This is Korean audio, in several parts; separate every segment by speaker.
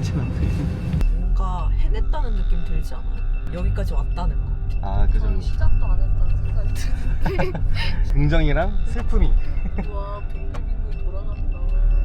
Speaker 1: 괜찮은데.
Speaker 2: 뭔가 해냈다는 느낌 들지 않아요? 여기까지 왔다는 거.
Speaker 1: 아, 그 정도.
Speaker 3: 시작도 안 했다는 생각이 드는데.
Speaker 1: 긍정이랑 슬픔이.
Speaker 2: 와, 빙글빙글 돌아간다.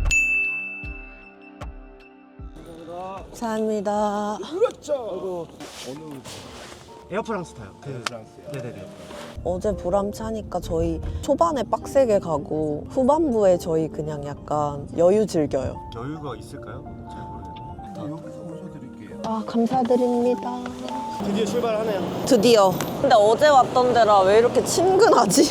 Speaker 4: 감사합니다.
Speaker 1: 그렇죠. 어느 에어프랑스 타요.
Speaker 5: 에어프랑스요?
Speaker 1: 네네네.
Speaker 4: 어제 보람차니까 저희 초반에 빡세게 가고 후반부에 저희 그냥 약간 여유 즐겨요.
Speaker 1: 여유가 있을까요? 잘 모르겠어요.
Speaker 5: 여기서 모셔드릴게요.
Speaker 4: 아, 감사드립니다.
Speaker 1: 드디어 출발하네요.
Speaker 4: 드디어. 근데 어제 왔던 데라 왜 이렇게 친근하지?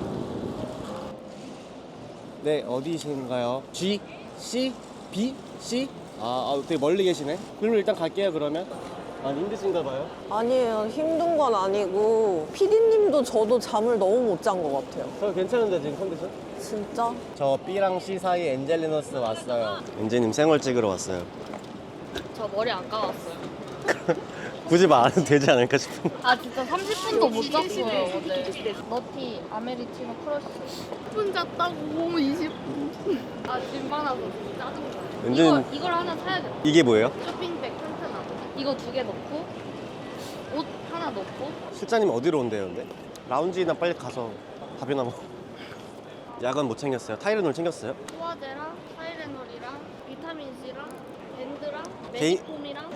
Speaker 1: 네, 어디신가요? G, C, B, C? 되게 멀리 계시네. 그럼 일단 갈게요, 그러면. 힘드신가 봐요.
Speaker 4: 아니에요. 힘든 건 아니고 피디님도 저도 잠을 너무 못 잔 것 같아요.
Speaker 1: 저 괜찮은데, 지금 컨디션?
Speaker 4: 진짜?
Speaker 1: 저 B랑 C 사이 엔젤리너스 왔어요. 엔젤님 생얼 찍으러 왔어요.
Speaker 3: 저 머리 안 감았어요.
Speaker 1: 굳이 말 안 해도 되지 않을까 싶은데.
Speaker 3: 아 진짜 30분도 못 잤어요 어제. 너티 아메리치노 크러쉬. 10분 잤다고 20분. 아 짐 많아서 짜증나.
Speaker 1: 은진-
Speaker 3: 이걸 하나 사야겠다.
Speaker 1: 이게 뭐예요?
Speaker 3: 쇼핑백 튼튼하고. 이거 2개 넣고 옷 하나 넣고.
Speaker 1: 실장님 어디로 온대요, 근데? 라운지나 빨리 가서 밥이나 먹어. 약은 못 챙겼어요. 타이레놀 챙겼어요?
Speaker 3: 소화제랑 타이레놀이랑 비타민 C랑 밴드랑
Speaker 1: 개인-
Speaker 3: 메디폼이랑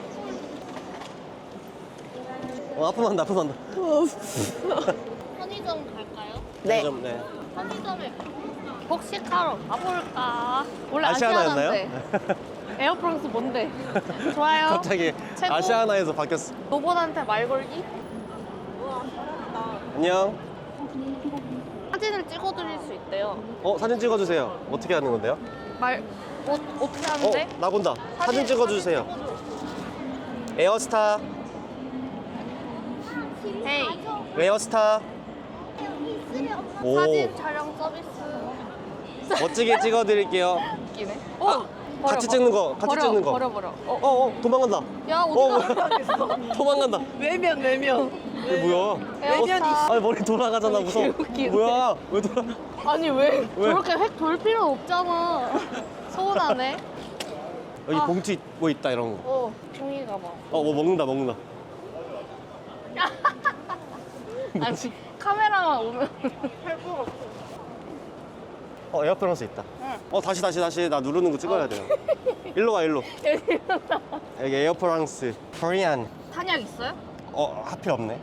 Speaker 1: 아프면 한다.
Speaker 3: 편의점 갈까요?
Speaker 4: 네.
Speaker 1: 네.
Speaker 3: 편의점에 복식하러 가볼까? 원래
Speaker 1: 아시아나였나요?
Speaker 3: 아시아나인데 에어프랑스 뭔데? 좋아요.
Speaker 1: 갑자기
Speaker 3: 최고.
Speaker 1: 아시아나에서 바뀌었어.
Speaker 3: 로봇한테 말 걸기?
Speaker 1: 안녕.
Speaker 3: 사진을 찍어드릴 수 있대요.
Speaker 1: 사진 찍어주세요. 어떻게 하는 건데요?
Speaker 3: 어떻게 하는데?
Speaker 1: 나 본다. 사진 찍어주세요. 에어스타.
Speaker 3: 헤이.
Speaker 1: 에어스타. 오,
Speaker 3: 사진 촬영 서비스.
Speaker 1: 멋지게 찍어드릴게요.
Speaker 3: 웃기네.
Speaker 1: 같이 찍는 거, 같이 찍는 거.
Speaker 3: 버려.
Speaker 1: 도망간다.
Speaker 3: 야 어디가?
Speaker 1: 도망간다.
Speaker 4: 외면.
Speaker 1: 이게 뭐야?
Speaker 3: 에어스타.
Speaker 1: 머리 돌아가잖아, 무서워.
Speaker 3: 웃기네.
Speaker 1: 뭐야? 왜 돌아?
Speaker 3: 아니 왜? 저렇게 획 돌 필요 없잖아. 서운하네.
Speaker 1: 여기 봉투 뭐 있다, 이런 거.
Speaker 3: 종이 가방.
Speaker 1: 뭐 먹는다.
Speaker 3: 아니 카메라만 오면 할 수가 없어.
Speaker 1: 에어프랑스 있다.
Speaker 3: 응.
Speaker 1: 다시. 나 누르는 거 찍어야 돼요. 일로 와, 일로. 여기 에어프랑스. 코리안.
Speaker 3: 탄약 있어요?
Speaker 1: 하필 없네.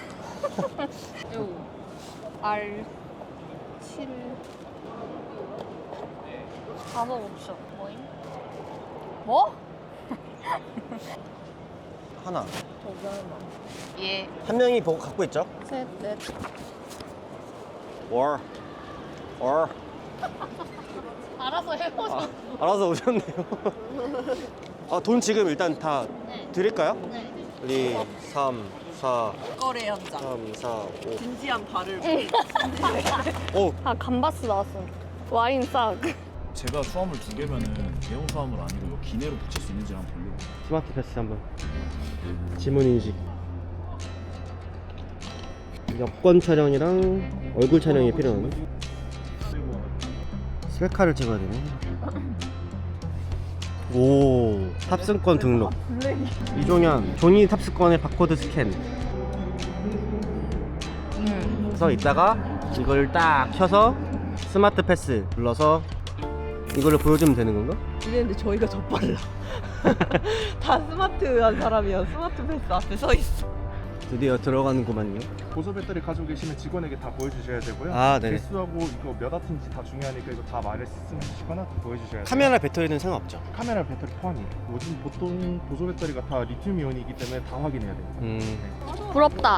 Speaker 3: 요 R 7 5 옵션 뭐임? 뭐?
Speaker 1: 하나.
Speaker 3: 예.
Speaker 1: 한 명이 갖고 있죠?
Speaker 3: 셋, 넷.
Speaker 1: 월.
Speaker 3: 알아서 해보자.
Speaker 1: 알아서 오셨네요. 돈 지금 일단 다
Speaker 3: 네.
Speaker 1: 드릴까요?
Speaker 3: 네.
Speaker 1: 2, 3, 4,
Speaker 4: 거래 현장.
Speaker 1: 3, 4, 5.
Speaker 4: 진지한 발을.
Speaker 3: 아 감바스 나왔어. 와인 싹.
Speaker 5: 제가 수화물 2개면은 대형 수화물 아니고 이거 기내로 붙일 수 있는지 한번 보려고.
Speaker 1: 스마트 패스 한번. 지문 인식. 여권 촬영이랑 얼굴 촬영이 필요하네. 셀카를 찍어야 되네. 오, 탑승권 등록. 이종현, 종이 탑승권의 바코드 스캔. 그래서 이따가 이걸 딱 켜서 스마트 패스 눌러서 이거를 보여주면 되는 건가?
Speaker 4: 이랬는데 저희가 더 빨라. 다 스마트한 사람이야. 스마트 패스 앞에 서 있어.
Speaker 1: 드디어 들어가는구만요.
Speaker 5: 보조 배터리 가지고 계시면 직원에게 다 보여주셔야 되고요.
Speaker 1: 네.
Speaker 5: 개수하고 이거 몇 와트인지 다 중요하니까 이거 다 말씀하시거나 보여주셔야 돼요.
Speaker 1: 카메라 배터리는 상관없죠.
Speaker 5: 카메라 배터리 포함이에요. 요즘 보통 보조 배터리가 다 리튬 이온이기 때문에 다 확인해야 돼요.
Speaker 3: 부럽다.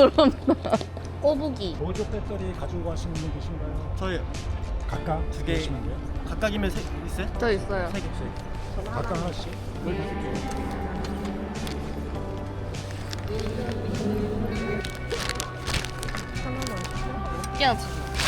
Speaker 3: 꼬부기.
Speaker 6: 보조 배터리 가지고 가시는 분 계신가요?
Speaker 1: 저희
Speaker 6: 각각
Speaker 1: 2개
Speaker 6: 계시면 돼요?
Speaker 1: 각각이면 있어요?
Speaker 3: 저 있어요.
Speaker 1: 3개.
Speaker 6: 각각 하나씩.
Speaker 3: 깨야지.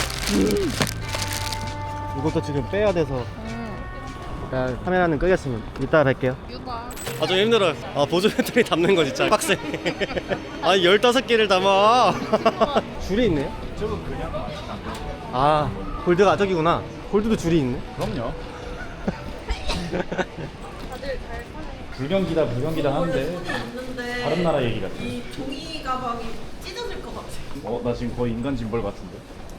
Speaker 1: 이것도 지금 빼야 돼서 카메라는 끄겠습니다. 이따 뵐게요.
Speaker 3: 유바.
Speaker 1: 좀 힘들어요. 보조 배터리 담는 거 진짜 빡세. 15개를 담아. 줄이 있네요?
Speaker 5: 이쪽은 그냥 맛이 안 돼요.
Speaker 1: 골드가 저기구나. 골드도 줄이 있네.
Speaker 5: 그럼요.
Speaker 3: 다들 잘 사네.
Speaker 6: 불경기다 하는데 다른 나라 얘기 같아.
Speaker 2: 이 종이 가방이 찢어질 것 같아.
Speaker 6: 나 지금 거의 인간 짐벌 같은데.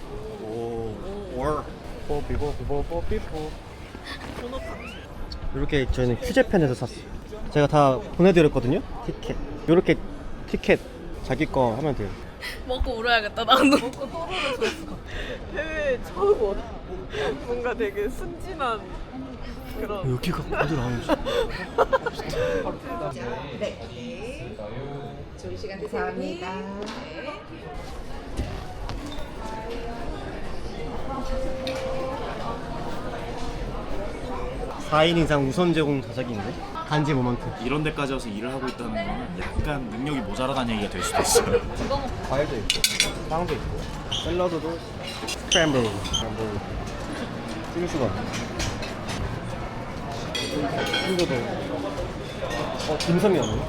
Speaker 1: 이렇게 저희는 휴재팬에서 샀어요. 제가 다 보내드렸거든요. 티켓. 이렇게 티켓 자기 거 하면 돼요.
Speaker 3: 먹고 울어야겠다 나도.
Speaker 2: 먹고 또르르 줬어. 해외 처음 온. 뭔가 되게 순진한 그런.
Speaker 1: 여기가 어디 나오는지.
Speaker 2: 좋은 시간 감사합니다.
Speaker 1: 4인 이상 우선 제공 자작인데? 간지 모먼트.
Speaker 7: 이런 데까지 와서 일을 하고 있다는 거는 약간 능력이 모자라다는 얘기가 될 수도 있어요.
Speaker 1: 과일도 있고, 빵도 있고, 샐러드도 스크램블. 찍을 수가 없네. 이거도 딤섬이었네.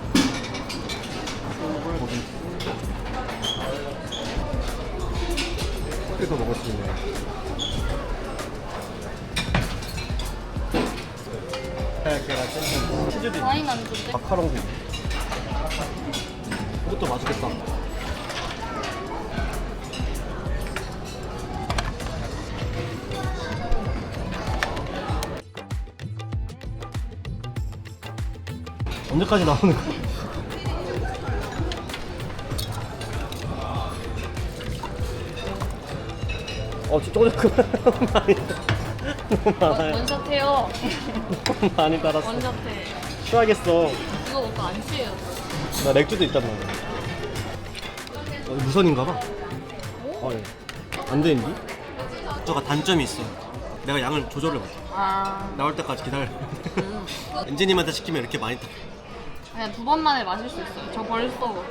Speaker 1: 이거 먹을 수 있네. 계란 샌드위치. 치즈도 있네.
Speaker 3: 와인 안 준대?
Speaker 1: 마카롱도 있네. 이것도 맛있겠다. 언제까지 나오는 거야? 저거 너무 많이 너무 많아요.
Speaker 3: 원샷해요.
Speaker 1: 너무 많이 달았어.
Speaker 3: 원샷해.
Speaker 1: 취하겠어.
Speaker 3: 이거 먹고 안 취해요.
Speaker 1: 나 맥주도 있단 말이야. 무선인가 봐. 예. 안 되는데? 저가 단점이 있어. 내가 양을 조절을 못해. 나올 때까지 기다려. 엔지님한테 시키면 이렇게 많이 타.
Speaker 3: 그냥 2번 만에 마실 수 있어요. 저 벌써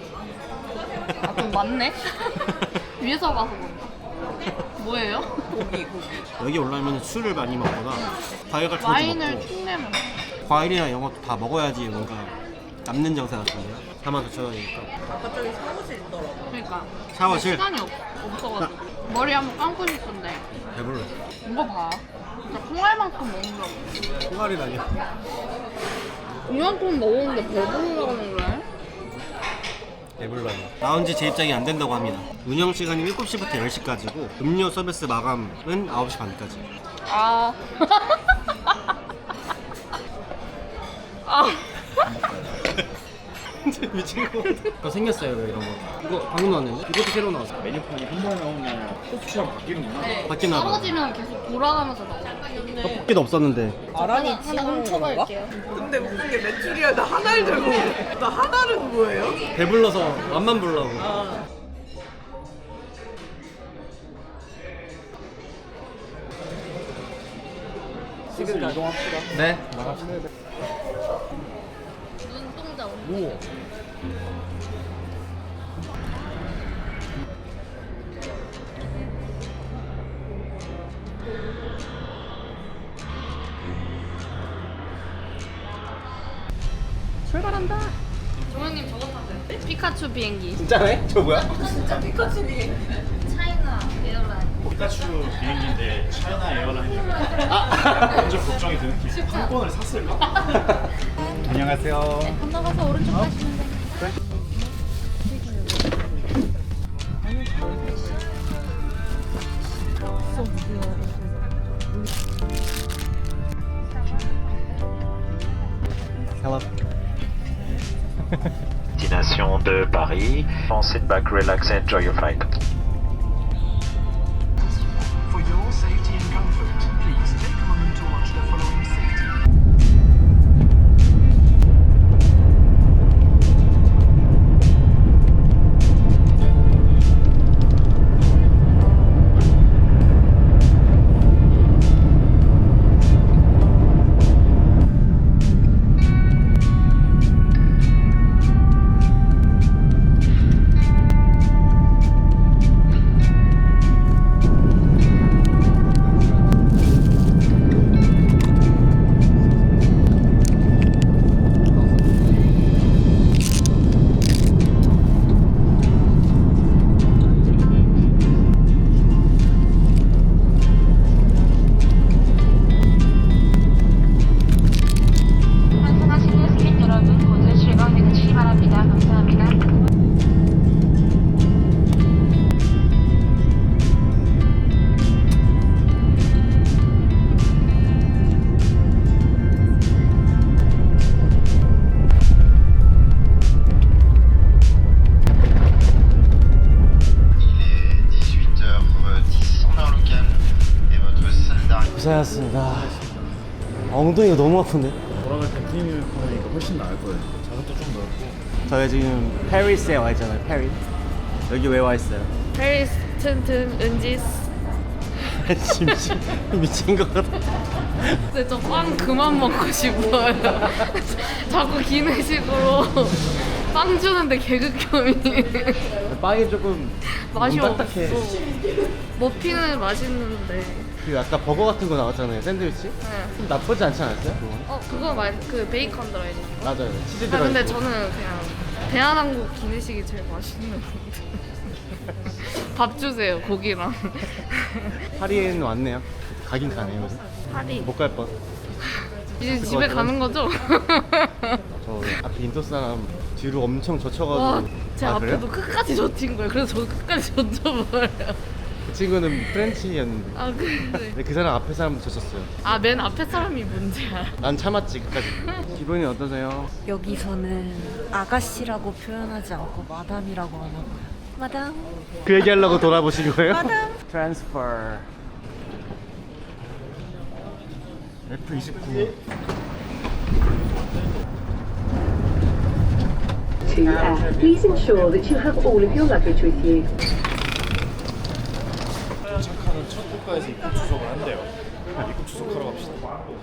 Speaker 3: 좀 많네? 위에서 봐서 그런가? 뭐예요?
Speaker 1: 여기 올라오면 술을 많이 먹거나 과일 같은 것도
Speaker 3: 와인을
Speaker 1: 먹고
Speaker 3: 킹내면
Speaker 1: 과일이나 이런 것도 다 먹어야지 뭔가 남는 정세 같은데요. 42,000원이니까.
Speaker 2: 아까 저기 사무실 있더라고.
Speaker 3: 그러니까
Speaker 1: 샤워실?
Speaker 3: 시간이 없어가지고 머리 한번 감고 싶은데
Speaker 1: 배불러.
Speaker 3: 이거 봐 진짜 콩알만큼 먹는다고
Speaker 1: 콩알이라니.
Speaker 3: 이만큼 먹었는데 배부르다고 그래?
Speaker 1: 배불러요. 라운지 재입장이 안 된다고 합니다. 운영 시간이 7시부터 10시까지고 음료 서비스 마감은 9시 반까지.
Speaker 3: 아 아.
Speaker 1: 미친 거 같아. 더 생겼어요 이런 거. 이거 방금 나왔는데? 이것도 새로 나왔어.
Speaker 5: 메뉴판이 한 번에 나오면 코스처럼 바뀌는구나.
Speaker 1: 바뀌나 봐.
Speaker 3: 떨어지면 계속 돌아가면서 나오고
Speaker 1: 떡볶이도 없었는데.
Speaker 2: 아란이
Speaker 3: 하나
Speaker 2: 치는 건가?
Speaker 3: 훔쳐갈게요.
Speaker 2: 근데 웃긴 게 메추리알 나 하나를 들고 오네. 나 하나는 뭐예요?
Speaker 1: 배불러서 맛만 보려고.
Speaker 2: 지금 이동합시다.
Speaker 1: 네.
Speaker 3: 눈동자 온다.
Speaker 1: 오.
Speaker 3: 출발한다. 조영님 저거 타세요. 피카츄 비행기.
Speaker 1: 진짜네? 저 뭐야?
Speaker 2: 진짜 피카츄 비행.
Speaker 3: 차이나 에어라인.
Speaker 7: 피카츄 비행기인데 차이나 에어라인이 완전 걱정이 드는 게 항공권을 샀을까?
Speaker 6: 안녕하세요.
Speaker 3: 건너가서 오른쪽 가시면 돼요.
Speaker 1: Hello.
Speaker 8: Destination de Paris. Sit back, relax, enjoy your flight.
Speaker 9: For your safety and comfort, please take a moment to watch the following safety.
Speaker 1: 고생하셨습니다. 엉덩이가 너무 아픈데?
Speaker 7: 돌아갈 때 프리미엄 에코노미가 훨씬 나을 거예요. 자석도 좀 넓고.
Speaker 1: 저희 지금 페리스에 와 있잖아요. 페리. 여기 왜 와 있어요?
Speaker 3: 페리스 튼튼 은지스.
Speaker 1: 미친 것 같아.
Speaker 3: 근데 저 빵 그만 먹고 싶어요. 자꾸 기내식으로 빵 주는데 개극혐이.
Speaker 1: 빵이 조금
Speaker 3: 맛이
Speaker 1: 너무
Speaker 3: 없어.
Speaker 1: 딱딱해.
Speaker 3: 머핀은 맛있는데.
Speaker 1: 그 아까 버거 같은 거 나왔잖아요. 샌드위치.
Speaker 3: 네.
Speaker 1: 좀 나쁘지 않지 않았어요? 그거?
Speaker 3: 그거 그 베이컨 들어있는 거.
Speaker 1: 맞아요. 치즈
Speaker 3: 아
Speaker 1: 들어
Speaker 3: 근데
Speaker 1: 있고.
Speaker 3: 저는 그냥 대한항공 기내식이 제일 맛있는 것 같아요. 밥 주세요 고기랑.
Speaker 1: 파리에는 왔네요. 가긴 가네요.
Speaker 3: 파리.
Speaker 1: 못 갈 뻔.
Speaker 3: 이제 집에 가는 거죠?
Speaker 1: 저 앞에 인도 사람 뒤로 엄청 젖혀가지고.
Speaker 3: 와, 제
Speaker 1: 아,
Speaker 3: 앞에도
Speaker 1: 그래요?
Speaker 3: 끝까지 젖힌 거예요. 그래서 저도 끝까지 젖혀버려요.
Speaker 1: 그 친구는 프렌치였는데.
Speaker 3: 아 그래.
Speaker 1: 근데 그 사람 앞에 사람도 젖혔어요.
Speaker 3: 아 맨 앞에 사람이 문제야.
Speaker 1: 난 참았지 끝까지. 기분이 어떠세요?
Speaker 4: 여기서는 아가씨라고 표현하지 않고 마담이라고 하나 봐요. 마담.
Speaker 1: 그 얘기하려고 돌아보신 거예요?
Speaker 4: 마담.
Speaker 1: 트랜스퍼. F29.
Speaker 10: To Air, please ensure that you have all of your luggage with you.
Speaker 7: 도착하는 첫 국가에서 입국 추석을 한대요. 입국 추석하러 갑시다.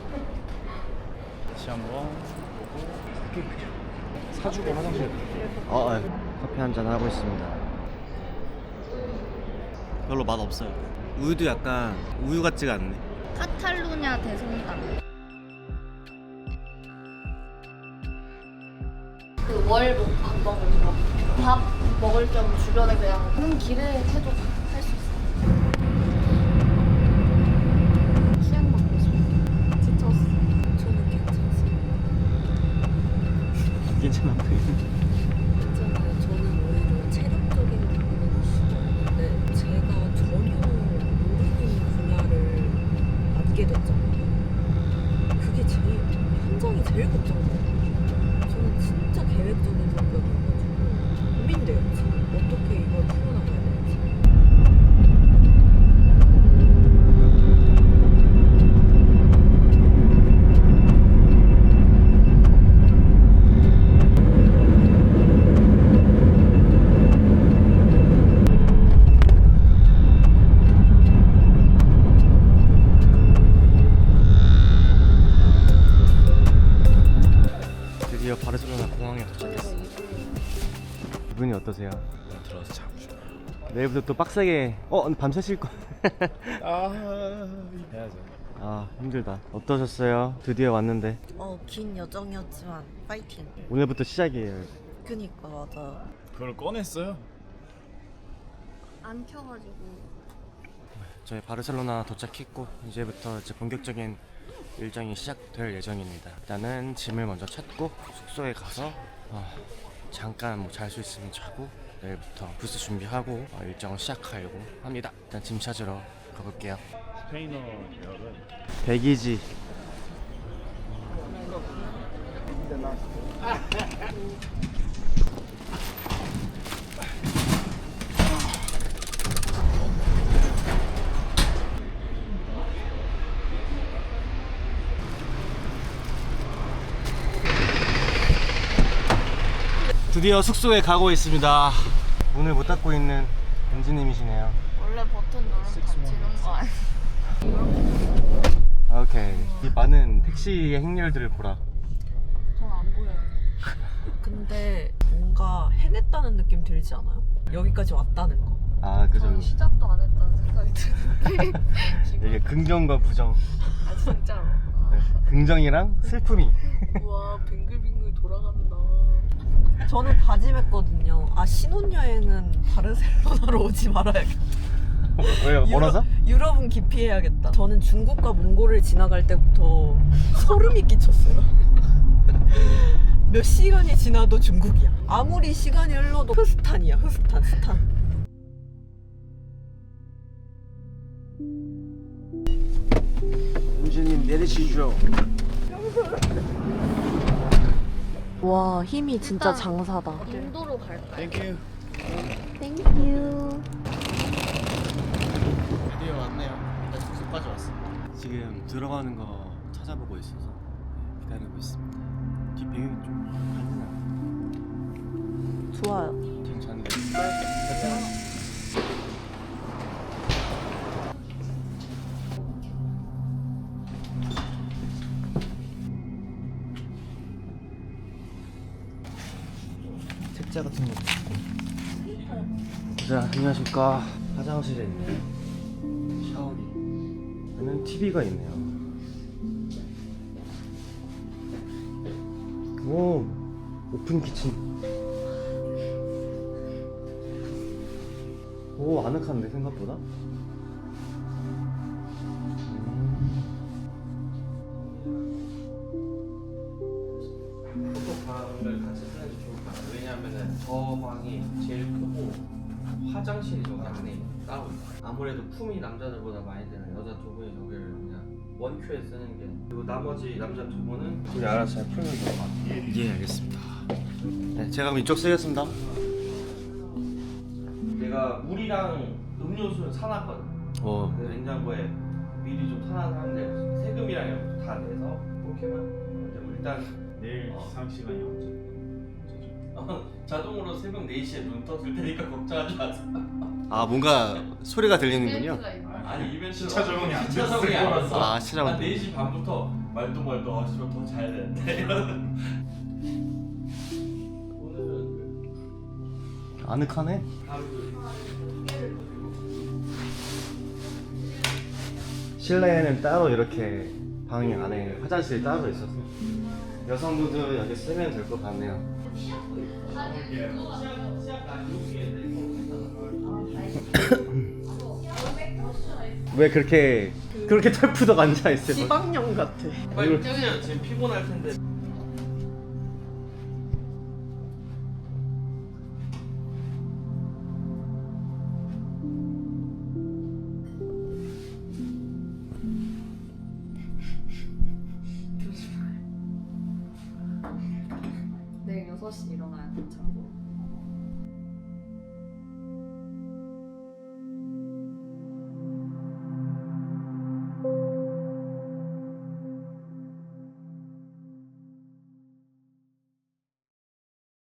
Speaker 7: 다시 한번 사주고 화장실.
Speaker 1: 커피 한잔 하고 있습니다. 별로 맛 없어요. 우유도 약간 우유 같지가 않네.
Speaker 3: 카탈루냐 대성당. 그 월목 밥 먹은 거. 밥 먹을 겸 주변에 그냥 하는 길에 해도 할 수 있어. 치약 먹고 싶어. 지쳤어.
Speaker 4: 저는 괜찮아요.
Speaker 1: 괜찮아.
Speaker 4: 괜찮아요. 저는 오히려 체력적인 부분은 싫었는데 제가 전혀 모르는 분야를 맡게 됐잖아요. 그게 제일 현장이 제일 걱정돼요. 저는 진짜 계획적인 성격이어가지고 고민돼요. 지금 어떻게 이걸 풀어나가야 될지.
Speaker 1: 드디어 바르셀로나 공항에 도착했어요. 기분이 어떠세요?
Speaker 7: 들어서 자고 싶어요.
Speaker 1: 내일부터 또 빡세게 밤새 쉴 거.
Speaker 7: 해야죠.
Speaker 1: 아 힘들다. 어떠셨어요? 드디어 왔는데
Speaker 4: 긴 여정이었지만 파이팅.
Speaker 1: 오늘부터 시작이에요.
Speaker 4: 그니까 맞아.
Speaker 7: 그걸 꺼냈어요?
Speaker 3: 안 켜가지고.
Speaker 1: 저희 바르셀로나 도착했고 이제부터 이제 본격적인 일정이 시작될 예정입니다. 일단은 짐을 먼저 찾고 숙소에 가서 잠깐 뭐 잘 수 있으면 자고 내일부터 부스 준비하고 일정을 시작하려고 합니다. 일단 짐 찾으러 가볼게요.
Speaker 7: 스페인어 역은
Speaker 1: 백이지. 드디어 숙소에 가고 있습니다. 문을 못 닫고 있는 은지님이시네요.
Speaker 3: 원래 버튼 누르면 닫히는 거 아니야?
Speaker 1: 오케이. 이 많은 택시의 행렬들을 보라.
Speaker 3: 전 안 보여요.
Speaker 4: 근데 뭔가 해냈다는 느낌 들지 않아요? 여기까지 왔다는 거.
Speaker 1: 아 그죠.
Speaker 3: 저는 시작도 안 했다는 생각이 드는데.
Speaker 1: 이게 긍정과 부정.
Speaker 3: 아 진짜로.
Speaker 1: 네. 긍정이랑 슬픔이.
Speaker 2: 우와 빙글빙글 돌아간다.
Speaker 4: 저는 다짐했거든요. 신혼여행은 바르셀로나로 오지 말아야겠다.
Speaker 1: 왜요? 멀어서?
Speaker 4: 유럽은 기피해야겠다. 저는 중국과 몽골을 지나갈 때부터 소름이 끼쳤어요. 몇 시간이 지나도 중국이야. 아무리 시간이 흘러도 흐스탄이야. 스탄.
Speaker 1: 은지님 내리시죠.
Speaker 4: 와 힘이 진짜 장사다.
Speaker 3: 인도로 갈까요?
Speaker 7: 땡큐.
Speaker 3: 땡큐.
Speaker 1: 드디어 왔네요. 일단 숙소까지 왔습니다. 지금 들어가는 거 찾아보고 있어서 기다리고 있습니다. 뒷 배경이 좀 밝나?
Speaker 4: 좋아요.
Speaker 1: 괜찮은데. 책자 같은 것도 있고. 자, 안녕하십니까. 화장실에 있네요. 샤워기. 여기는 TV가 있네요. 오, 오픈 키친. 오, 아늑한데 생각보다.
Speaker 11: 포토방을 같이 쓰는 게 좋을 것 같아요. 왜냐하면은 저 방이 제일 크고 화장실이 저기 안에 따로 있어요. 아무래도 품이 남자들보다 많이 드는 여자 두 분이 저기를 그냥 원큐에 쓰는 게, 그리고 나머지 남자 두 분은
Speaker 1: 우리 알아서 잘 풀면 될 것 같아요. 예, 알겠습니다. 네, 제가 그럼 이쪽 쓰겠습니다.
Speaker 11: 내가 물이랑 음료수는 사놨거든. 그 냉장고에 미리 좀 사놔서 하는데 세금이랑 이런 거 다 내서 그렇게만. 근데 뭐 일단
Speaker 7: 내일 기상 시간이 언제죠?
Speaker 11: 자동으로 새벽 4시에 눈 떠질 테니까 걱정하지 마세요.
Speaker 1: 아, 뭔가 소리가 들리는군요.
Speaker 11: 아니 이벤트
Speaker 7: 시차 적응이 안
Speaker 11: 시차
Speaker 7: 됐어.
Speaker 11: 적응이 안 됐어.
Speaker 1: 아, 시차 적응.
Speaker 11: 한 4시 반부터 말도 씨발 더 자야 되는데. 오늘은
Speaker 1: 아늑하네. 실내에는 따로 이렇게 방이 안에 화장실이 따로 있어서 여성분들 여기 쓰면 될 것 같네요. 왜 그렇게 털푸덕 앉아 있어요?
Speaker 4: 지방령 같아.
Speaker 11: 빨리 뛰세요. 지금 피곤할 텐데.
Speaker 3: 내일 6시 일어나야 돼, 참고로.